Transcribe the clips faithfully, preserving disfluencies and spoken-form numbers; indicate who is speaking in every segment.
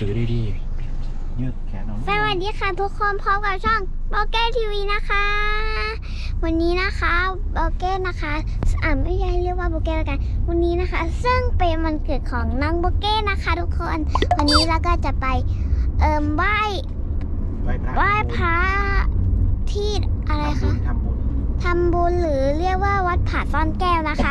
Speaker 1: ถือดีๆยืดแขนเอาส
Speaker 2: วัสดีค่ะทุกคนพบกับช่องโบเก้ทีวีนะคะวันนี้นะคะโบเก้นะคะอ่าไม่ใช่เรียกว่าโบเก้แล้วกันวันนี้นะคะซึ่งเป็นวันเกิดของน้องโบเก้นะคะทุกคนวันนี้เราก็จะไปเอ่อไหว้ไหว้พระที่อะไรคะ
Speaker 1: ทำบุญ
Speaker 2: ทำบุญหรือเรียกว่าวัดผาซ่อนแก้วนะคะ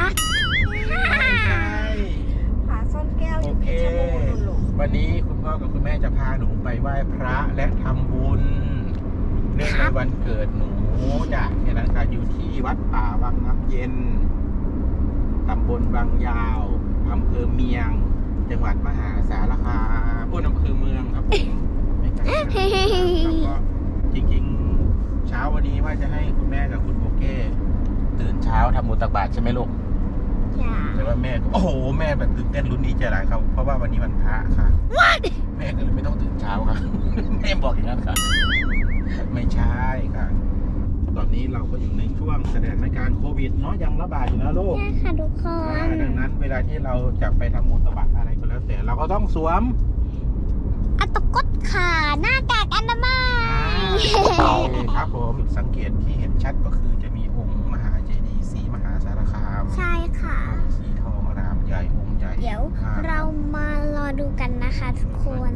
Speaker 3: ผาซ่อนแก้วอยู่เพชรบูรณ์ลูก
Speaker 1: วันนี้คุณพ่อกับคุณแม่จะพาหนูไปไหว้พระและทำบุญเนื่องในวันเกิดหนูจ้ะเนี่ยนะคะอยู่ที่วัดป่าวังน้ำเย็นตำบลบางยาวอำเภอเมียงจังหวัดมหาสารคามพูดอำเภอเมืองครับผมไม่ไกลกันแล้วก็จริงๆเช้าวันนี้ว่าจะให้คุณแม่กับคุณโบเก้ตื่นเช้าทำบุญตักบาตรใช่ไหมลูกแต่ว่าแม่โอ้โหแม่แบบตื่นเต้นลุ้นดีใจหลายครับเพราะว่าวันนี้วันพระค่ะแม่ก็เลยไม่ต้องตื่นเช้าค่ะ แม่บอกอย่างนั้นค่ะไม่ใช่ค่ะตอนนี้เราก็อยู่ในช่วงสถานการณ์โควิดเนาะยังระบาดอยู่นะลูก
Speaker 2: ใช่ค่ะทุกคน
Speaker 1: ดังนั้นเวลาที่เราจะไปทำบุญตักบาตรอะไรก็แล้วแต่เราก็ต้องสวม
Speaker 2: อัตกดขาหน้ากากอนามัย
Speaker 1: ครับผมสังเกตที่เห็นชัดก็คือจะมีองค์มหาเจดีย์ศรีมหาสารคาม
Speaker 2: ใช่ค่ะ
Speaker 1: องค์สีทองอารามใหญ่องค์ใหญ่
Speaker 2: เดี๋ยวเรามารอดูกันนะคะทุกคน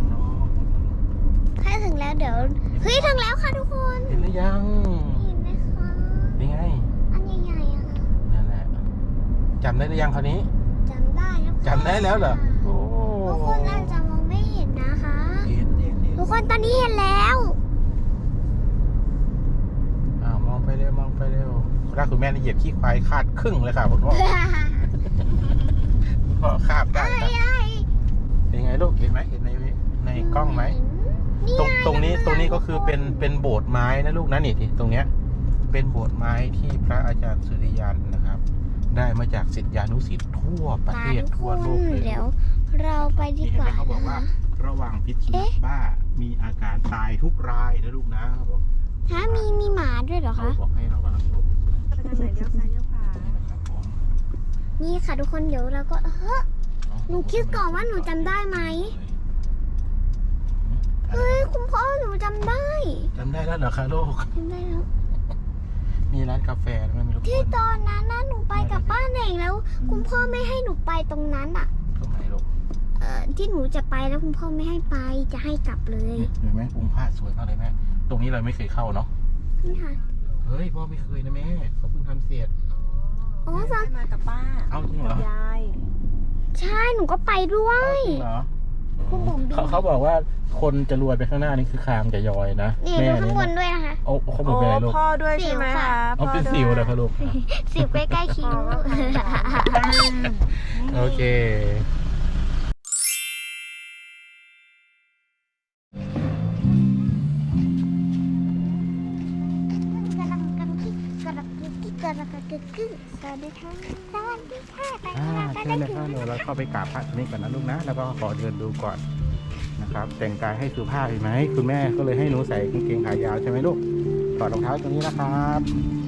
Speaker 2: ถ้าถึงแล้วเดี๋ยวเฮ้ยถึงแล้วค่ะทุกคน
Speaker 1: เห็นหรือยัง
Speaker 2: เห็นไหมคะ
Speaker 1: นี่ไง
Speaker 2: อันใหญ่ๆอะค่ะ
Speaker 1: นั่นแหละจำได้หรือยังคราวนี้
Speaker 2: จำได้แล้วค่ะ
Speaker 1: จำได้แล้วเหรอโอ้
Speaker 2: ทุกคนอาจจะมองไม่เห็นนะคะ
Speaker 1: เห็นเห็นเห็น
Speaker 2: ทุกคนตอนนี้เห็นแล้ว
Speaker 1: อ่ามองไปเร็วมองไปเร็วถ้าคุณแม่นี่เหยียบขี้ควายคาดครึ่งเลยค่ะคุณพ่อคุณพ่อคาบได้ค่ะเป็นไงลูกเห็นไหมเห็นในในกล้องไหม ตรงตรงนี้ตรงนี้ก็คือเป็นเป็นโบสถ์ไม้นะลูกนะนี่ที่ตรงเนี้ยเป็นโบสถ์ไม้ที่พระอาจารย์สุริยันนะครับ ได้มาจากศิษยานุศิษย์ทั่วประเทศทั่วโลกเลย
Speaker 2: เดี๋ยวเราไปดี
Speaker 1: เห็น
Speaker 2: ก
Speaker 1: ไหม
Speaker 2: ว่า
Speaker 1: เขาบอกว่าระวังพิษสุนัขบ้ามีอาการตายทุกรายนะลูกนะเขาบอก
Speaker 2: ฮะมีมีหมาด้วยเหรอ
Speaker 1: เขา
Speaker 2: คะ
Speaker 1: บอกให้ระวังลูก
Speaker 3: ไปทางไหนเลี้ยวซ้ายเลี้ยวขวา
Speaker 1: นี่นะครับผม
Speaker 2: นี่ค่ะทุกคนเดี๋ยวเราก็เฮ้ยหนูคิดก่อนว่าหนูจำได้ไหมเฮ้ยคุณพ่อหนูจำได้
Speaker 1: จำได้แล้วเหรอคะลูก
Speaker 2: จำได้แล้ว
Speaker 1: มีร้านกาแฟมันมีลูก
Speaker 2: ที่ตอนนั้นนะหนูไปกับป้าเน่งแล้ว คุณพ่อไม่ให้หนูไปตรงนั้นอ่ะ
Speaker 1: ตรงไหนลูก
Speaker 2: เอ่อที่หนูจะไปแล้วคุณพ่อไม่ให้ไปจะให้กลับเลย
Speaker 1: เห็นไหมองค์พระสวยมากเลยแม่ตรงนี้เราไม่เคยเข้าเนาะ
Speaker 2: นี่ค่ะ
Speaker 1: เฮ้ยพ่อไม่เคยนะแม่เขาเพิ่งทำเสร็จ
Speaker 2: โอ้
Speaker 3: ได้
Speaker 2: ฟัง
Speaker 3: มากับป้า
Speaker 1: เอาจริงเหรอ
Speaker 3: ยาย
Speaker 2: ใช่หนูก็ไปด้วย
Speaker 1: จริงเหรอ
Speaker 2: คุณบุ๋ม
Speaker 1: เขาเขาบอกว่าคนจะรวยไปข้างหน้านี่คือคางจะยอยนะ
Speaker 2: นี่ดูข้างบนด้วยนะคะ
Speaker 1: โอ้เขาบ
Speaker 3: โอ้
Speaker 1: อกเป็นอะไรลูก
Speaker 3: พ่อด้วยใช่ไหมคะ
Speaker 1: เอาเป็นสิวเลยครับลูก
Speaker 2: สิบใกล้ๆคิ้ว
Speaker 1: โอเค
Speaker 2: สวัสดีค่ะสวัสดีค่ะไป
Speaker 1: อ่า
Speaker 2: ค่ะไป
Speaker 1: เชิญ
Speaker 2: ได้
Speaker 1: เลย
Speaker 2: ถึ
Speaker 1: ครับ
Speaker 2: ง
Speaker 1: เดี๋ยวเราเข้าไปกราบพระนี่ก่อนนะลูกนะ แล้วก็ขอเดินดูก่อนนะครับ แต่งกายให้สุภาพเห็นไหมคุณแม่ก็เลยให้หนูใส่กางเกงขายาวใช่ไหมลูกถอดรองเท้าตรงนี้นะครับ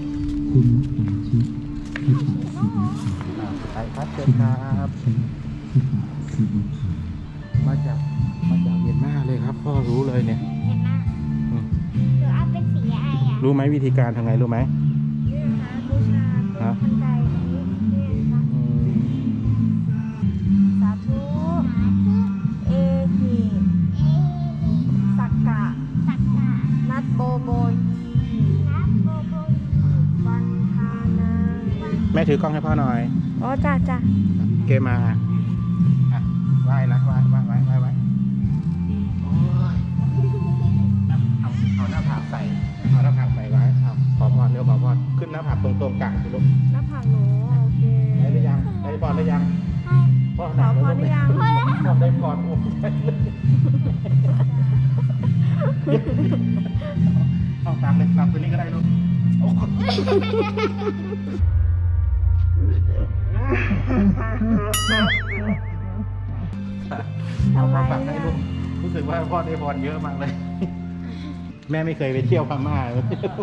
Speaker 1: อ่าไปครับเชิญครับมาจากมาจากเมียนมาเลยครับพ่อรู้เลยเนี่ย
Speaker 2: เห็นไหม
Speaker 1: อืม
Speaker 2: หรือเอาเป็นสีอะไรอ่ะ
Speaker 1: รู้ไหมวิธีการทำไงรู้ไหม
Speaker 3: นี่นะคะบูชาตรงทันใจนี้นี่นะคะ
Speaker 1: อืม
Speaker 3: สาธุเอหิสักกะ
Speaker 2: สักกะ
Speaker 3: นัดโบโบยี
Speaker 2: นับโบโบ
Speaker 3: วันทานา
Speaker 1: แม่ถือกล้องให้พ่อหน่อย
Speaker 3: โอ้จ้าจ้า
Speaker 1: เกมมาอ่ะไหว้นะไหว้ไหว้ไหว้ไหว้ไหว้โอ้ยเอาเอาหน้าผากใส่เอาหน้าผากใส่ไว้เอาขอพรเร็วขอพรขึ้นหน้าผากตรงตรงๆกลางสิลูก
Speaker 3: หน้าผากหนูโอเค
Speaker 1: ได้หรือยังได้พรหรือยังพ่อ
Speaker 3: ขอพรหรือยัง
Speaker 1: พ่อได้พรโอ้เอาตามเลยตามตัวนี้ก็ได้ลูกโอ้เอามาฝากให้ลูกรู้สึกว่าพ่อได้พรเยอะมากเลย แม่ไม่เคยไปเที่ยวพม่าเลย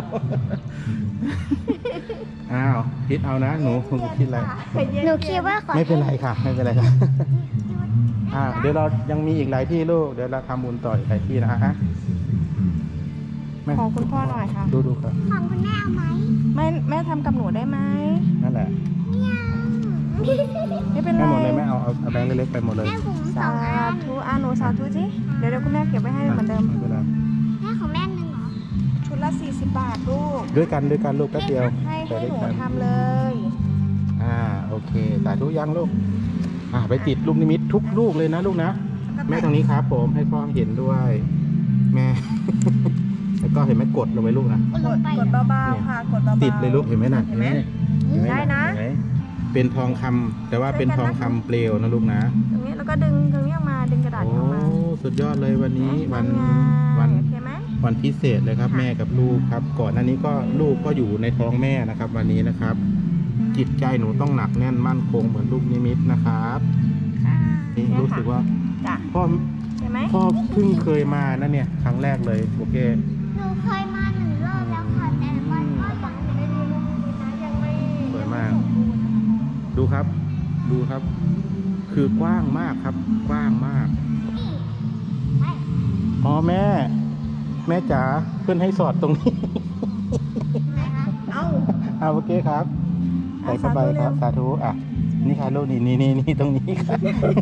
Speaker 1: อ้าวคิดเอานะหนูหนูคิดอะไร
Speaker 2: หนูคิดว่าขอ
Speaker 1: ไม่เป็นไรค่ะ ไม่เป็นไรค่ะ
Speaker 2: เ
Speaker 1: อ่าเดี๋ยวเรายังมีอีกหลายที่ลูกเดี๋ยวเราทำบุญต่ออีกหลายที่นะฮะแม่
Speaker 3: ของคุณพ่อหน่อยค่ะ
Speaker 1: ดูดูครับ
Speaker 2: ของคุณแม่เอาไหม
Speaker 3: แม่แม่ทำกับหนูได้ไหม
Speaker 1: นั่นแหละ
Speaker 3: ไม่เป็นไร
Speaker 1: แม่หมดเลยแม่เอาเอาเอาแบงค์เล็กๆไปหมดเลย
Speaker 2: แม่ผมส
Speaker 3: สา
Speaker 2: องอัน
Speaker 3: ธุอ่ะหนูสาธุสิเดี๋ยวเดี๋ยวคุณแม่เก็บไว้ให้เหมือนเดิม
Speaker 1: ไเป็นไร
Speaker 2: แม่ของแม่หนึ่งเหรอ
Speaker 3: ชุดละสี่สิบบาทลูก
Speaker 1: ด้วยกันด้วยกันลูกแป๊บเดียว
Speaker 3: ให้
Speaker 1: ไป
Speaker 3: ให้
Speaker 1: ด้วย
Speaker 3: หนู
Speaker 1: กัน
Speaker 3: ทำเลย
Speaker 1: อ่าโอเคสาธุยังลูกอ่าไปติดลูกนิมิตทุกลูกเลยนะลูกนะแม่ตรงนี้ครับผมให้พ่อเห็นด้วย แม่ แล้วก็เห็นไหมกดลงไปลูกนะ
Speaker 2: กด
Speaker 3: ก
Speaker 2: ล
Speaker 3: ด
Speaker 2: งไป
Speaker 3: กดเบาๆค่ะกดเบาๆ
Speaker 1: ติดเลยลูกเห็นไหมน่ะ
Speaker 3: เห็นไหม
Speaker 1: เห็นไหม
Speaker 3: ได้นะ
Speaker 1: เห็ไหมเป็นทองคำแต่ว่าเป็นทองคำเปลวนะลูกนะ
Speaker 3: ตรงนี้แล้วก็ดึงตรงนี้ออกมาดึงกระดาษ
Speaker 1: โอ้
Speaker 3: ออกมา
Speaker 1: สุดยอดเลยวันนี้วัน
Speaker 3: ไง
Speaker 1: วัน
Speaker 3: โอเคไหม
Speaker 1: วันพิเศษเลยครับ
Speaker 3: ค่ะ
Speaker 1: แม่กับลูกครับ ก่อนหน้านี้ก็ลูกก็อยู่ในท้องแม่นะครับ วันนี้นะครับ จิตใจหนูต้องหนักแน่นมั่นคงเหมือนลูกนิมิตนะครับ
Speaker 3: ค่ะ
Speaker 1: นี่
Speaker 3: เนี่ย
Speaker 1: รู้
Speaker 3: ค่ะ
Speaker 1: สึกว่า
Speaker 3: จ้ะ
Speaker 1: พ่อ
Speaker 3: เห็นไหม
Speaker 1: พ่อเพิ่งเคยมานะเนี่ยครั้งแรกเลยโอเค
Speaker 2: หนูเคยมาหนึ่งรอบแล้วค่ะแต่มันก็ยังไม่ได้ลงนะยังไม่
Speaker 1: สวยมาก ดูครับ ดูครับ คือกว้างมากครับ กว้างมาก
Speaker 2: นี่ไป
Speaker 1: อ๋อแม่ แม่จ๋าเพื่อนให้สอดตรงนี้
Speaker 2: นะคะ
Speaker 3: เอ้า
Speaker 1: เอาโอเคครับใส่เข้าไป
Speaker 3: เอา
Speaker 1: ค
Speaker 3: สาธุ
Speaker 1: รับสาธุอ่ะนี่ค่ะลูกนี่นี่นี่นี่ตรงนี้ครับ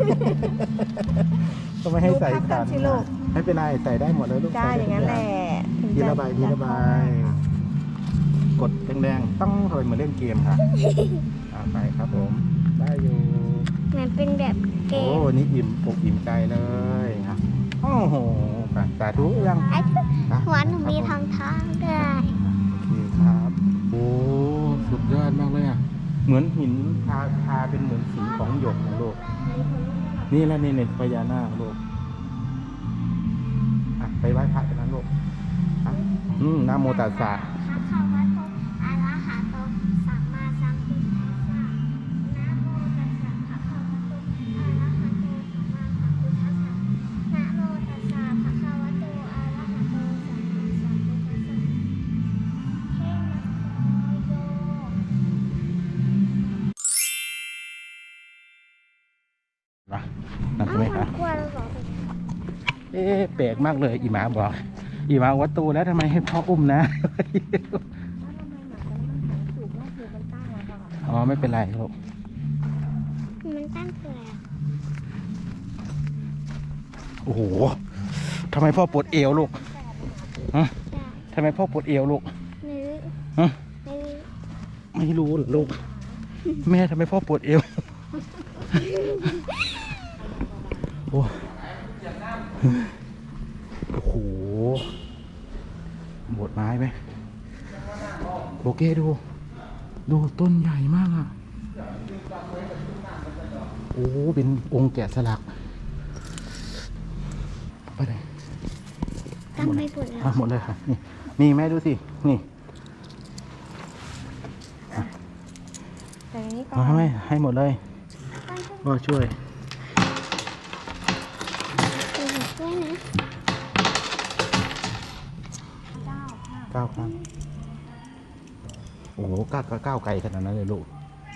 Speaker 1: ก็ไม่ให้ใส่
Speaker 3: ดูภาพกั
Speaker 1: กัน
Speaker 3: นสิลูก
Speaker 1: ไม่เป็นไรใส่ได้หมดเลยลูก
Speaker 3: ได้
Speaker 1: ใส่
Speaker 3: อย่างนั้นแหละถึง
Speaker 1: ที
Speaker 3: จ
Speaker 1: ละใบทีละใบกดแดงๆต้องทำเหมือนเล่นเกมค่ะอ่าไปครับผม ได้อยู่
Speaker 2: เหมือนเป็นแบบเก
Speaker 1: โอ้
Speaker 2: ม
Speaker 1: นี่อิ่มอกอิ่มใจเลยครับโอ้โหไปสาธุยัง
Speaker 2: ไอ้
Speaker 1: อ่ะ
Speaker 2: หัวหนูมีทองทองด้วย
Speaker 1: โอเคครับ โอ้สุดยอดมากเลยอ่ะ เหมือนหินทาทาเป็นเหมือนสีของหยกนะลูก นี่แหละนี่เน็ตพญานาคลูกอ่ะไปไหว้พระกันนะลูกอ่ะอืมนะโมตัสสะ
Speaker 2: พระคาวะโตอะระหะโตสัมมาสัมพุทธัสสะนะโมตัสสะพระคาวะโตอะระหะโตสัมมาสัมพุทธัสสะนะโมตัสสะพระคาวะโตอะระหะโตสัมมาสัมพุทธัสสะเทนะโย
Speaker 1: นะนั่นใช่ไหมครับ
Speaker 2: กลัวเราบอก
Speaker 1: เอ๊ะแปลกมากเลย อีหมาบอก อีหมาวัดตูแล้วทำไมให้พ่ออุ้มนะ อ๋อไม่เป็นไรลูก
Speaker 2: มันตั้งคืออะไรอ่ะ
Speaker 1: โอ้โหทำไมพ่อปวดเอวลูกฮะ
Speaker 2: ใช่
Speaker 1: ทำไมพ่อปวดเอวลูก
Speaker 2: ไม่รู้
Speaker 1: ฮะ
Speaker 2: ไม่รู้
Speaker 1: ไม่รู้เหรอลูก แม่ทำไมพ่อปวดเอว โอ้โอ้โหโบดไม้ไหมโอเคดู ดูต้นใหญ่มากอ่ะ โอ้เป็นองค์แกะสลัก ไปไหน
Speaker 2: ตั้งไม่ปวดแล้ว
Speaker 1: อ่ะหมดเลยค่ะ นี่มีแม่ดูสิ นี่
Speaker 3: แต่อย่างนี้ก่อ
Speaker 1: เอาให้
Speaker 3: น
Speaker 1: ไหมให้หมดเลยพ่อช่วย
Speaker 2: ช่วยนะ
Speaker 1: เก้าครั้งโอ้โหก้าวก้าวไกลขนาดนั้นเลยลูก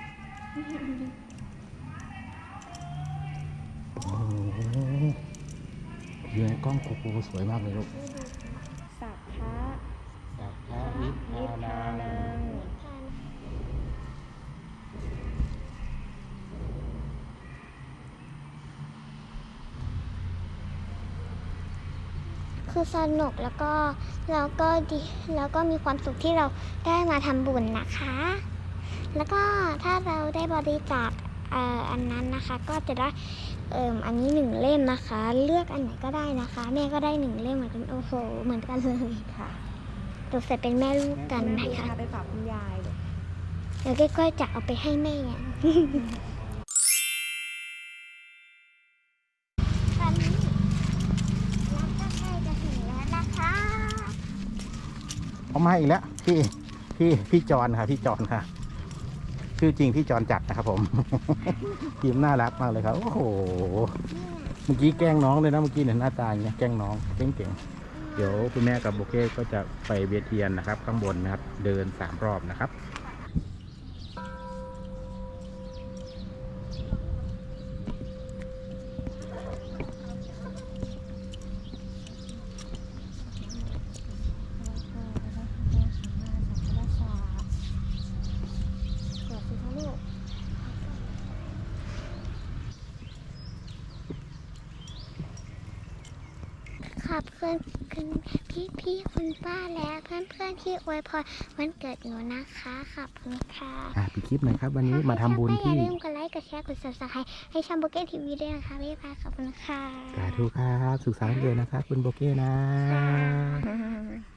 Speaker 1: โอ้โหอยู่ในกล้องโกโก้สวยมากเลยลูก
Speaker 3: สัพพะ
Speaker 1: สัพพะนิพพานัง
Speaker 2: คือสนุกแล้วก็แล้วก็ดีแล้วก็มีความสุขที่เราได้มาทำบุญนะคะ แล้วก็ถ้าเราได้บริจาคเอ่ออันนั้นนะคะ ก็จะได้เอ่ออันนี้หนึ่งเล่มนะคะ เลือกอันไหนก็ได้นะคะ แม่ก็ได้หนึ่งเล่มเหมือนกันโอ้โหเหมือนกันเลย
Speaker 3: ค่ะ
Speaker 2: ตัวใส่เป็นแม่ลูกกันนะคะ
Speaker 3: ไปฝากคุณยายเลย
Speaker 2: แล้วก็ก็จะเอาไปให้แม่ตอนนี้เราก็ใกล้จะถึงแล้วนะคะ
Speaker 1: เอามาอีกแล้วพี่พี่พี่จอนค่ะพี่จอนค่ะ ชื่อจริงพี่จอนจัดนะครับผม ทีมน่ารักมากเลยครับโอ้โหเมื่อกี้แกล้งน้องเลยนะเมื่อกี้เนี่ยหน้าตาอย่างเงี้ยแกล้งน้องเก่งๆเดี๋ยวคุณแม่กับโบเก้ก็จะไปเวียนเทียนนะครับ ข้างบนนะครับ เดินสามรอบนะครับ
Speaker 2: อบคุณคุณพี่พี่ๆคุณป้าและเพื่อนเพื่อนๆที่อวยพรวันเกิดหนูนะคะขอบคุณค่ะ
Speaker 1: อ่ะปิดคลิปหน่อยครับ วันนี้มาทำบุญ
Speaker 2: ถ้าใครชอบก็อ
Speaker 1: ที่
Speaker 2: ย่าลืมกดไลค์กดแชร์กด ซับสไครบ์ ให้ช่องโบเก้ทีวีด้วยนะคะพี่พายขอบคุณค่ะ
Speaker 1: สาธุครับ สุขสันต์วันเกิดนะครับ คุณโบเก้นะ
Speaker 2: ค่ะ